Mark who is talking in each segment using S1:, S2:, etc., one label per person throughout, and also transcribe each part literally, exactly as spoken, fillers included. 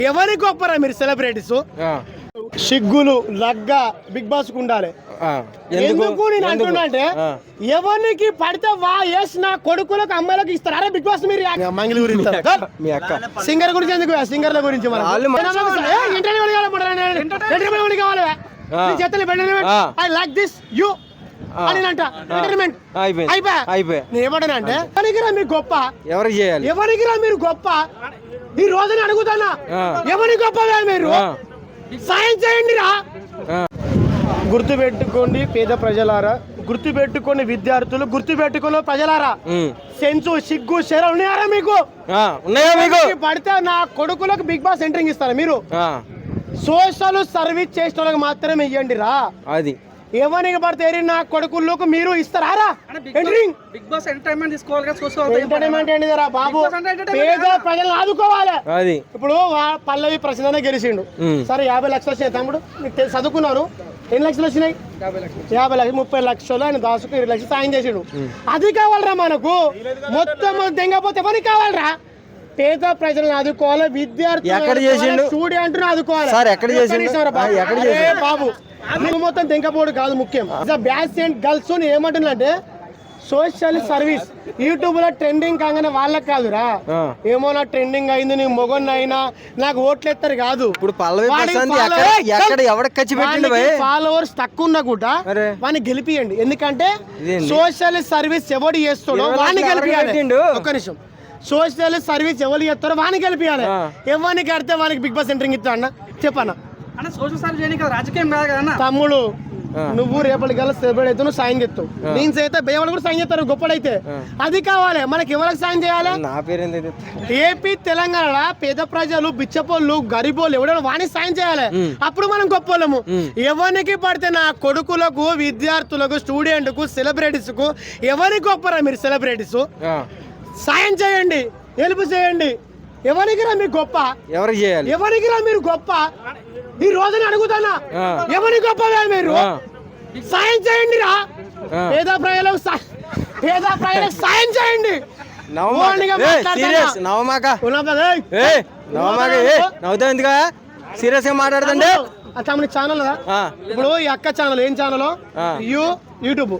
S1: ఎవరి గొప్పరా మీరు సెలబ్రిటీస్? సిగ్గులు లగ్గ బిగ్ బాస్ కు ఉండాలి. ఎందుకు నేను అంటున్నా అంటే ఎవరికి పడితే వా వేసిన కొడుకులకు అమ్మాయిలకు ఇస్తారు. అరే బిగ్ బాస్ మీరు మంగిలి గురించి సింగర్ గురించి ఎందుకు? సింగర్ల గురించి ఐ లైక్ దిస్ యూ అని అంట ఎంటర్టైన్మెంట్ అయిపోయా. నేను ఏమంటానంటే ఎవరికిరా మీరు గొప్ప? ఎవరికి చేయాలి? ఎవరికిరా మీరు గొప్ప? ఈ రోజుని అడుగుతానా ఎవరి గొప్పగా మీరు సాయం చేయండి రా. గుర్తు పెట్టుకోండి పేద ప్రజలారా, గుర్తు పెట్టుకోండి విద్యార్థులు, గుర్తు పెట్టుకోండి ప్రజలారా. సెన్సు సిగ్గు శరం ఉన్నాయారా మీకు? పడితే నా కొడుకులకు బిగ్ బాస్ ఎంట్రింగ్ ఇస్తారా మీరు? సోషల్ సర్వీస్ చేసిన వాళ్ళకి మాత్రమే ఇవ్వండి రా. అది ఎవరికి పడితే నా కొడుకులకు మీరు ఇస్తారా ఎంట్రింగ్? బిగ్ బాస్ ఎంటర్టైన్మెంట్ తీసుకోవాలి కదా. సోషల్ ఎంటర్టైన్మెంట్ ఏంటి రా బాబు? పేద ప్రజలను ఆదుకోవాలి. అది ఇప్పుడు పల్లవి ప్రసిద్ధనే గెలిచిండు, సరే యాభై లక్షలు వచ్చినాయి తమ్ముడు, నీకు చదువుకున్నాను ఎన్ని లక్షలు వచ్చినాయి? యాభై లక్షలు ముప్పై లక్షలు ఆయన దాసుకు ఇరవై లక్షలు సాయం చేసిండు. అది కావాలరా మనకు. మొత్తం దెంగపోతే ఎవరికి కావాలరా? పేద ప్రజలను ఆదుకోవాలి, విద్యార్థులు స్టూడెంట్ ఆదుకోవాలి. బాబు నువ్వు మొత్తం తెంకపోడు కాదు ముఖ్యం. బ్యాస్ అండ్ గర్ల్స్ ఏమంటుందంటే సోషల్ సర్వీస్ యూట్యూబ్ లో ట్రెండింగ్ కాగానే వాళ్ళకి కాదురా, ఏమో నా ట్రెండింగ్ అయింది నీ మొగన్ అయినా నాకు ఓట్లు ఎత్తారు కాదు. ఇప్పుడు ఫాలోవర్స్ తక్కువ ఉన్నా కూడా వాడిని గెలిపియండి. ఎందుకంటే సోషల్ సర్వీస్ ఎవడు చేస్తాడో వాడిని గెలిపియాలి. ఒక్క నిమిషం, సోషల్ సర్వీస్ ఎవరు చేస్తారో వాడిని గెలిపియాలి. ఎవరిని కడితే వానికి బిగ్ బాస్ ఎంట్రింగ్ ఇస్తా అన్న చెప్పన్నా. తమ్ముడు నువ్వు రేపటి గల సెలబ్రేట్ అయితే నువ్వు సాయం చేస్తావు, నేను అయితే బేవాళ్ళు కూడా సాయం చేస్తారు గొప్పడైతే. అది కావాలి మనకి. ఎవరికి సాయం చేయాలి? ఏపీ తెలంగాణ పేద ప్రజలు బిచ్చపోళ్ళు గరీబోళ్ళు ఎవడో వాణి సాయం చేయాలి. అప్పుడు మనం గొప్పలము. ఎవరికి పడితే నా కొడుకులకు విద్యార్థులకు స్టూడెంట్ కు సెలబ్రిటీస్ కు ఎవరికి గొప్పరా మీరు సెలబ్రిటీస్? సాయం చేయండి, హెల్ప్ చేయండి. ఎవరికి రా మీరు గొప్ప? ఎవరికి చేయాలి? ఎవరికి రా మీరు గొప్ప? ఈ రోజుని అడుగుతానా ఎవరి గొప్పగా మీరు సాయం చేయండి రా. పేద ప్రజలకు పేద ప్రజలకు సాయం చేయండి.
S2: సీరియస్ గా మాట్లాడుతుండే
S1: తమ ఛానల్ ఇప్పుడు ఈ అక్క ఛానల్ ఏం ఛానల్? యూ యూట్యూబ్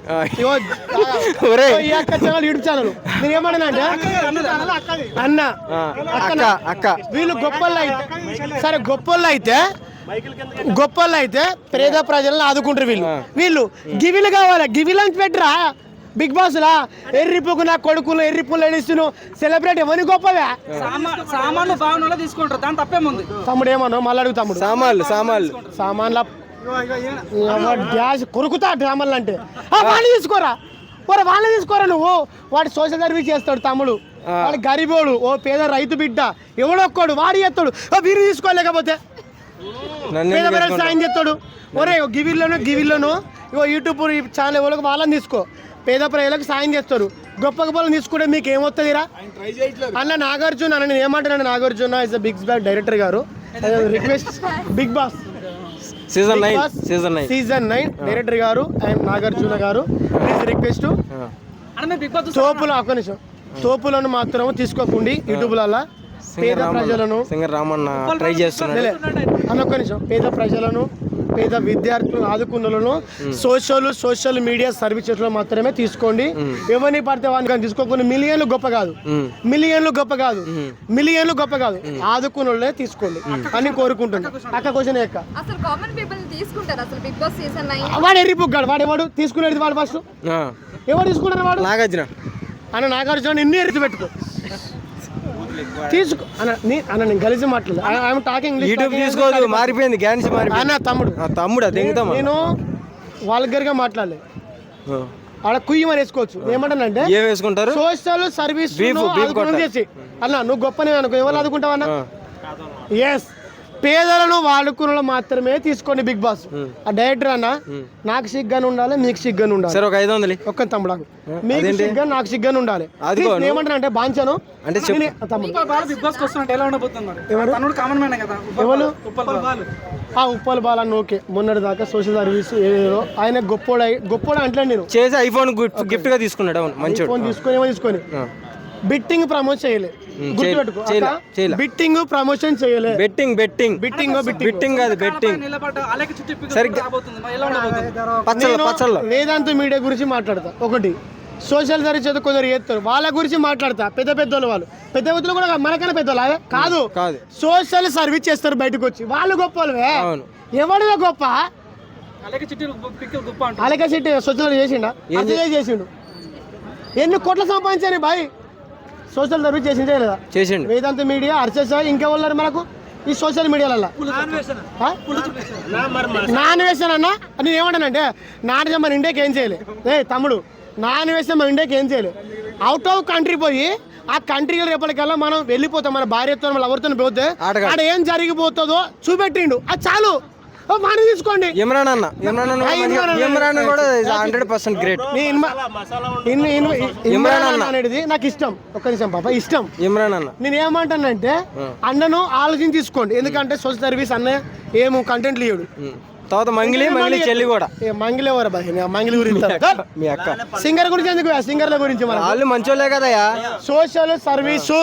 S1: ఈ అక్క ఛానల్ యూట్యూబ్ ఛానల్. నేను ఏమన్నా అంటే అన్న అక్క వీళ్ళు గొప్పళ్ళు అయితే సరే గొప్పళ్ళు అయితే గొప్పళ్ళు అయితే పేద ప్రజలను ఆదుకుంటారు. వీళ్ళు వీళ్ళు గివిలు కావాలి. గివిలు అని పెట్టరా బిగ్ బాస్ లా? ఎర్రిపుకు నా కొడుకులు ఎర్రిపులు ఎడిస్తును సెలబ్రేట్ ఎవరి గొప్పవే?
S3: సామాన్లు భావనలో తీసుకుంటారు, దాని తప్పేముంది?
S1: తమ్ముడు ఏమన్నా మళ్ళీ అడుగు తమ్ముడు.
S2: సామాన్లు సామాన్లు
S1: సామాన్ల డ్యాష్ కొరుకుతా డ్రామాలు అంటే వాళ్ళని తీసుకోరా ఓరా వాళ్ళని తీసుకోరా. నువ్వు వాడు సోషల్ సర్వీస్ చేస్తాడు తమ్ముడు, వాడు గరీబోడు, ఓ పేద రైతు బిడ్డ ఎవడొక్కడు వాడు చేస్తాడు. వీరు తీసుకోలేకపోతే పేద ప్రజలకు సాయం చేస్తాడు. ఒరే గివిల్లోనూ గివిల్లోనూ ఇగో యూట్యూబ్ ఛానల్ ఎవరికి వాళ్ళని తీసుకో. పేద ప్రజలకు సాయం చేస్తారు. గొప్ప గొప్పలు తీసుకుంటే మీకు ఏమవుతుందిరా అన్న? నాగార్జున అన్న నేను ఏమంటున్నాను, Nagarjuna is big boss director గారు. Request big boss
S2: season nine season nine
S1: season nine director గారు అండ్ నాగార్జున గారు ప్లీజ్ రిక్వెస్ట్ తోపులు ఒక్క నిమిషం తోపులను మాత్రం తీసుకోకండి యూట్యూబ్లలో. పేద ప్రజలను
S2: సింగర్ రామన్న ట్రై చేస్తున్నాడు
S1: అన్న ఒక్క నిమిషం. పేద ప్రజలను పేద విద్యార్థులను ఆదుకున్నలను సోషల్ సోషల్ మీడియా సర్వీసెస్ లో మాత్రమే తీసుకోండి. ఎవరిని పడితే వాడిని తీసుకోకుండా మిలియన్లు గొప్ప కాదు, మిలియన్లు గొప్ప కాదు, మిలియన్లు గొప్ప కాదు, ఆదుకున్న తీసుకోండి అని కోరుకుంటుంది. అక్క క్వశ్చన్ అక్క వాడు ఎర్రిపుగ్గాడు వాడు ఎవడు తీసుకునేది? వాడు ఫస్ట్ ఎవరు తీసుకుంటారు? వాడు నాగార్జున అన్న. నాగార్జున నిన్ను ఎరిచి పెట్టుకో తీసుకో అన్న. నేను కలిసి మాట్లాడదు టాకింగ్
S2: యూట్యూబ్ తీసుకోదు మారిపోయింది గ్యాన్స్
S1: అన్న. తమ్ముడు
S2: తమ్ముడు
S1: నేను వాల్గర్ గా మాట్లాడలే, ఆడ కుయ్యమని వేసుకోవచ్చు. ఏమంటానంటే
S2: ఏం వేసుకుంటారు?
S1: సోషల్ సర్వీస్ చేసి అన్న నువ్వు గొప్పనే అనుకో. ఎవరు ఆదుకుంటావు అన్న? ఎస్ పేదలను వాడుకున్న మాత్రమే తీసుకోండి బిగ్ బాస్. ఆ డైరెక్టర్ అన్న నాకు సిగ్గాను ఉండాలి, మీకు సిగ్గాను ఉండాలి.
S2: సరే ఒక ఐదు వందలు ఒక్క
S1: తమ్ముడు మీకు సిగ్గా నాకు సిగ్గాను ఉండాలి. ఏమంటారు అంటే బాంచాను అంటే ఎవరు ఆ ఉప్పల్ బాల్ అన్న ఓకే. మొన్నటి దాకా సోషల్ సర్వీస్ ఏదో ఆయన గొప్పోడు గొప్పోడు అంటే నేను
S2: చేసి ఐఫోన్ గిఫ్ట్ గా తీసుకున్నాడు. మంచి
S1: ఫోన్ తీసుకొని ఏమో తీసుకొని బిట్టింగ్ ప్రమోట్ చేయలే
S2: ఉమ్,
S1: గుర్తుపెట్టుకో
S2: చేయలే,
S1: అక్క,
S2: చేయలే.
S1: బిట్టింగ్ ప్రమోషన్ చేయలే
S2: betting betting
S1: betting betting
S2: betting కాదు బెట్టింగ్
S3: నిలబడ్డ అలాగే చుట్టూ ఇప్పి
S2: సరిగ్గా-
S3: రాబోతుంది మరి ఎలా ఉండబోతుంది
S2: పచ్చళ్ళు
S1: నేను
S2: పచ్చళ్ళు
S1: వేదాంత మీడియా గురించి మాట్లాడతా ఒకటి సోషల్ సర్వీస్ ఏదో కొందరు చేస్తారు వాళ్ళ గురించి మాట్లాడతా పెద్ద పెద్దోళ్ళు వాళ్ళు పెద్ద పెద్దలు కూడా మనకన్నా పెద్దోళ్ళు అదే కాదు
S2: కాదు
S1: సోషల్ సర్వీస్ చేస్తారు బయటకు వచ్చి వాళ్ళు గొప్ప వాళ్ళవే
S2: అవును
S1: ఎవడిగా గొప్ప
S3: అలాగే చుట్టూ పిక్కలు గుప్ప అంటారు
S1: అలాగే చెట్టు సోషల్ చేసిండా అసలే చేసిండు ఎన్ని కోట్ల సంపాదించారు బాయ్ సోషల్ సర్వీస్ చేసిందే లేదా
S2: చేసిండు
S1: వేదాంత మీడియా అర్చస్ ఇంకా ఉన్నారు మనకు ఈ సోషల్ మీడియాలలో నాన్ వేసాను అన్న నేను ఏమంటానంటే నాన్ మన ఇండియాకి ఏం చేయలే ఏ తమ్ముడు నాన్ వేస్తే మన ఇండియాకి ఏం చేయలే అవుట్ ఆఫ్ కంట్రీ పోయి ఆ కంట్రీలో రేపటికల్లా మనం వెళ్ళిపోతాం మన భార్యతో మన ఎవరితో పోతే
S2: ఆడగా.
S1: ఆడ ఏం జరిగిపోతుందో చూపెట్టిండు అది చాలు ఓ మనీ తీసుకోండి
S2: ఇమ్రాన్ అన్న ఇమ్రాన్ అన్న
S1: ఆ, ఇమ్రాన్ అన్న.
S2: ఇమ్రాన్ అన్న కూడా హండ్రెడ్ పర్సెంట్ గ్రేట్
S1: నీ ఇన్మ- ఇన్- ఇన్- ఇమ్రాన్ అన్న అనేది నాకు ఇష్టం ఒక్క నిమిషం పాప ఇష్టం
S2: ఇమ్రాన్ అన్న
S1: నేను ఏమంటానంటే అన్నను ఆలోచించి తీసుకోండి ఎందుకంటే సోషల్ సర్వీస్ అన్న ఏమో కంటెంట్ లేడు
S2: ఉమ్. తర్వాత మంగిలి మంగిలి చెల్లి కూడా
S1: ఏ మంగిలి ఎవరు బాయ్ నేను మంగిలి గురించి
S2: మీ అక్క
S1: సింగర్ గురించి ఎందుకు సింగర్ల గురించి మన
S2: వాళ్ళు మంచోళ్ళే కదయా
S1: సోషల్ సర్వీసు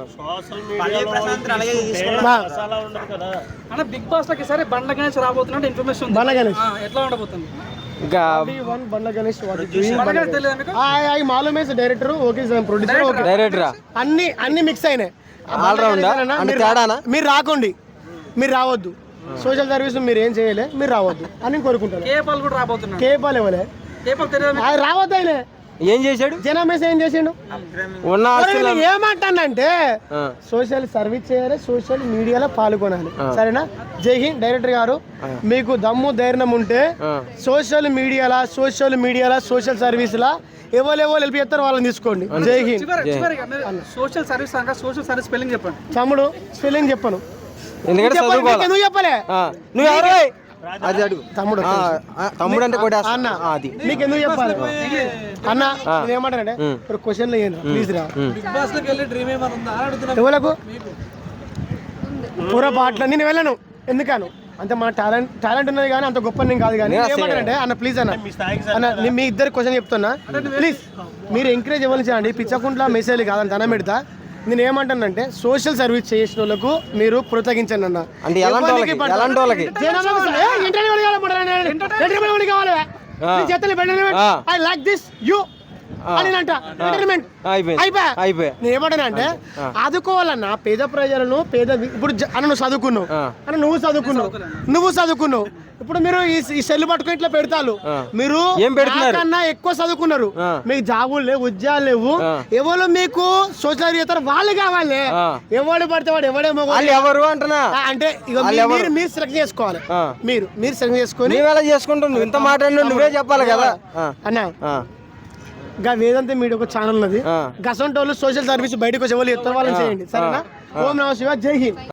S3: అన్న బిగ్ బాస్ లోకి సరే బండ్ల గణేష్ రాబోతున్నట్టు ఇన్ఫర్మేషన్ ఉంది
S1: బండ్ల గణేష్.
S3: ఆ, ఎట్లా ఉండబోతుంది
S2: ఇంకా
S1: వన్ బండ్ల గణేష్
S3: బండ్ల గణేష్ తెలియదు మీకు
S1: మాలూమేస్ డైరెక్టర్ ఓకే ప్రొడ్యూసర్ ఓకే
S2: డైరెక్టరా
S1: అన్ని అన్ని మిక్స్ అయినాయి
S2: All round ఆ?
S1: అన్న,
S2: అంటే
S1: మీరు
S2: తేడానా?
S1: మీరు రాకండి మీరు రావద్దు సోషల్ సర్వీస్ మీరు ఏం చేయలే మీరు రావద్దు అని కోరుకుంటాను
S3: కేపాల్ కూడా రాబోతున్నాడు
S1: కేపాల్ ఇవ్వలే
S3: కేపాల్ తెలియదు మీకు?
S1: ఆయన రావద్దు ఆయన
S2: ఏం చేశాడు
S1: జనమేస ఏం చేసిండు
S2: ఉన్న
S1: మరి
S2: ఆస్తులు
S1: నేను ఏమంటానంటే
S2: ఆ,
S1: సోషల్ సర్వీస్ చేయాలి సోషల్ మీడియాలో పాల్గొనాలి సరేనా జై హింద్ డైరెక్టర్ గారు మీకు దమ్ము ధైర్యం ఉంటే
S2: ఆ.
S1: సోషల్ మీడియాలా సోషల్ మీడియాలా సోషల్ సర్వీస్లా ఎవరు వెళ్ళి చెప్తారు వాళ్ళని తీసుకోండి జై హింద్
S3: చివరి చివరిగా మీరు సోషల్ సర్వీస్ అనగా సోషల్ సర్వీస్ స్పెల్లింగ్ చెప్పండి
S1: తమ్ముడు స్పెల్లింగ్ చెప్పను
S2: ఎందుకంటే
S1: చెప్పను,
S2: చదువుకోవాలి
S1: నీకు ఎందుకు చెప్పలే
S2: ఆ, నువ్వు ఎవరు అది అడుగు
S1: తమ్ముడు
S2: ఆ, ఆ, తమ్ముడు అంటే కూడా
S1: అన్న
S2: అది
S1: నీకు ఎందుకు చెప్పాలి అన్న నేను ఏమంటానంటే
S2: ఉమ్.
S1: ఇప్పుడు క్వశ్చన్లు ఏంది ప్లీజ్ రా
S3: బిగ్ బాస్ లోకి వెళ్ళి డ్రీమ్ ఏమైనా ఉందా అని అడుగుతున్నా
S1: ఎవలకు పొరపాట్ల నేను వెళ్ళను ఎందుకను అంత మన టాలెంట్ టాలెంట్ ఉన్నది కానీ అంత గొప్ప నేను కాదు కానీ
S2: నేను అసలు-
S1: ఏమంటానంటే అన్న ప్లీజ్ అన్న అన్న నేను మీ ఇద్దరు క్వశ్చన్ చెప్తున్నా ప్లీజ్ మీరు ఎంకరేజ్ ఇవ్వాలి చేయండి పిచ్చకుంట్ల మెసేజ్ కాదని ధనం పెడతా నేను ఏమంటానంటే సోషల్ సర్వీస్ చేసిన వాళ్ళకు మీరు కృతజ్ఞించండి అన్న
S2: అంటే ఎలాంటి వాళ్ళకి ఎలాంటి వాళ్ళకి ఆ.
S1: ఐ లైక్ దిస్ యూ అని అంట ఎంటర్టైన్మెంట్
S2: అయిపోయింది
S1: అయిపోయా
S2: అయిపోయి
S1: నేను ఏమంటానంటే ఆదుకోవాలన్నా పేద ప్రజలను పేద వి- ఇప్పుడు జ- అన్న నువ్వు చదువుకున్నావు
S2: ఆ.
S1: అన్న నువ్వు చదువుకున్నావు నువ్వు చదువుకున్నావు ఇప్పుడు మీరు ఈ ఈ సెల్ పట్టుకుని ఇట్లా పెడతారు
S2: ఆ.
S1: మీరు
S2: ఏం పెడుతున్నారు?
S1: నాకన్నా ఎక్కువ చదువుకున్నారు
S2: ఆ.
S1: మీకు జాబులు లేవు ఉద్యోగాలు లేవు
S2: ఆ.
S1: ఎవరు మీకు సోషల్ చేస్తారు వాళ్ళు కావాలి
S2: ఆ.
S1: ఎవడు పడితే వాడు ఎవడేమో
S2: వాళ్ళు ఎవరు అంటున్నా
S1: ఆ, అంటే ఇక
S2: వాళ్ళు
S1: మీ-
S2: ఎవరు?
S1: మీరు మీరు సెలెక్ట్ చేసుకోవాలి
S2: ఆ.
S1: మీరు మీరు సెలెక్ట్ చేసుకొని
S2: నువ్వు ఎలా చేసుకుంటావు నువ్వు ఇంత మాట్లాడినా నువ్వే చెప్పాలి కదా ఆ,
S1: అన్న
S2: ఆ,
S1: గా వేదాంత మీడియా ఒక ఛానల్ ఉన్నది
S2: ఆ.
S1: గసంటోళ్ళు సోషల్ సర్వీస్ బయటకు వచ్చి ఎవరు చెప్తారు వాళ్ళని చేయండి సరేనా ఓం నమ శివ జై హింద్